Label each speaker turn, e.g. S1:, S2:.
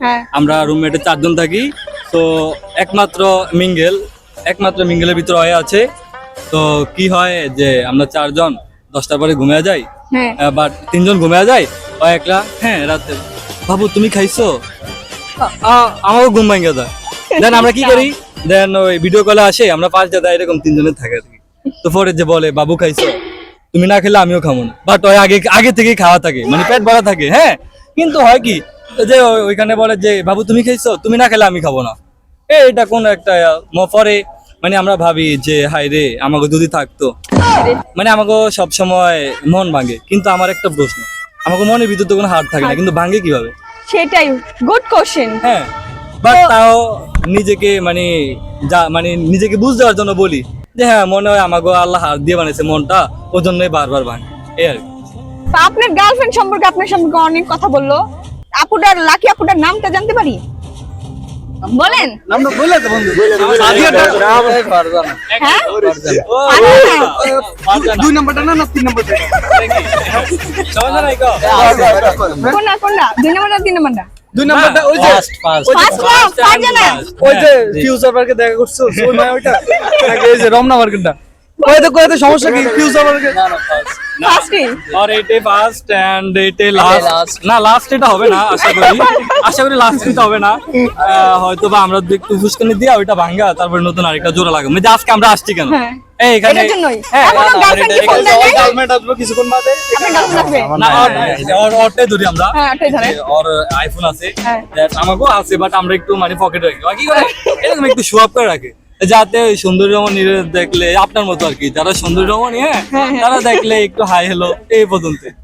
S1: আমরা রুমমেটে 4 জন থাকি। তো একমাত্র মিঙ্গেলের ভিতরে হয়ে আছে। তো কি হয় যে আমরা 4 জন 10টার পরে ঘুমিয়ে যাই, বাট 3 জন ঘুমিয়ে যায়, ও একলা রাতে বাবু তুমি খাইছো, আমারও ঘুম ভাঙে যায়। দেন আমরা কি করি, দেন ওই ভিডিও কলে আসে, আমরা 5 দাদা এরকম 3 জনের থাকে আর কি। তো পরে যে বলে বাবু খাইছো, তুমি না খেলে আমিও খাবো না, বাট ওই আগে থেকেই খাওয়া থাকে, মানে পেট ভরা থাকে। কিন্তু হয় কি যে ওইখানে বলে যে বাবু তুমি খাইছো, তুমি না খেলে আমি খাবো না। এটা কোন একটা পরে মানে আমরা ভাবি যে হাই রে আমাকে যদি থাকতো, মানে আমাকে সব সময় মন ভাঙে। কিন্তু আমার একটা প্রশ্ন, আমাকে মনের ভিতর তো কোনো হার থাকে না, কিন্তু ভাঙে কিভাবে?
S2: সেটাই গুড কোশ্চেন।
S1: বাট তাও নিজেকে মানে নিজেকে বুঝ দেওয়ার জন্য বলি যে মনে হয় আমাকে আল্লাহ হার দিয়ে বানাইছে মনটা, ওই জন্যই বারবার ভাঙে এই আর কি।
S2: আপনার গার্লফ্রেন্ড সম্পর্কে আপনার সম্পর্কে অনেক কথা বললো, লাকি আপুটার নামটা জানতে পারি? বলেন।
S3: নামটা বলে তো বন্ধু, দুই নাম্বারটা না 3 নাম্বারটা?
S2: কোনটা 2 নাম্বারটা 3 নাম্বারটা?
S3: 2 নাম্বারটা ওই যে ওই যে ফিউচার পার্কে দেখা করছো ওই মানে ওইটা নাকি এই যে রমনা মার্কেটটা? কয়তে সমস্যা কি ফিউচার পার্কে?
S1: আর এইটাই ফার্স্ট এন্ড এইটাই লাস্ট। না লাস্ট এটা হবে না, আশা করি লাস্ট এটা হবে না। হয়তো বা আমরা একটু ফুসকানি দিয়া ওইটা ভাঙা, তারপর নতুন আরেকটা জোড়া লাগাবো। মানে আজকে আমরা আসছি কেন এইখানে?
S2: এটার জন্যই। এখনো গার্লফ্রেন্ড কি ফোন দেয় নাই?
S3: গার্লফ্রেন্ড আসবে কিছুক্ষণ বাদে।
S2: আপনার গার্লফ্রেন্ড আসবে?
S1: না ওরটাই ধরি আমরা।
S2: ওটাই ধরে।
S1: ওর আইফোন আছে, আমাকেও আছে, বাট আমরা একটু মানে পকেটে রাখি। কি করে এরকম একটু শো আপ করে রাখি, যাতে ওই সুন্দরী রমণী দেখলে আপনার মতো আর কি, যারা সুন্দরী রমণী তারা দেখলে একটু হাই হ্যালো এই পর্যন্ত।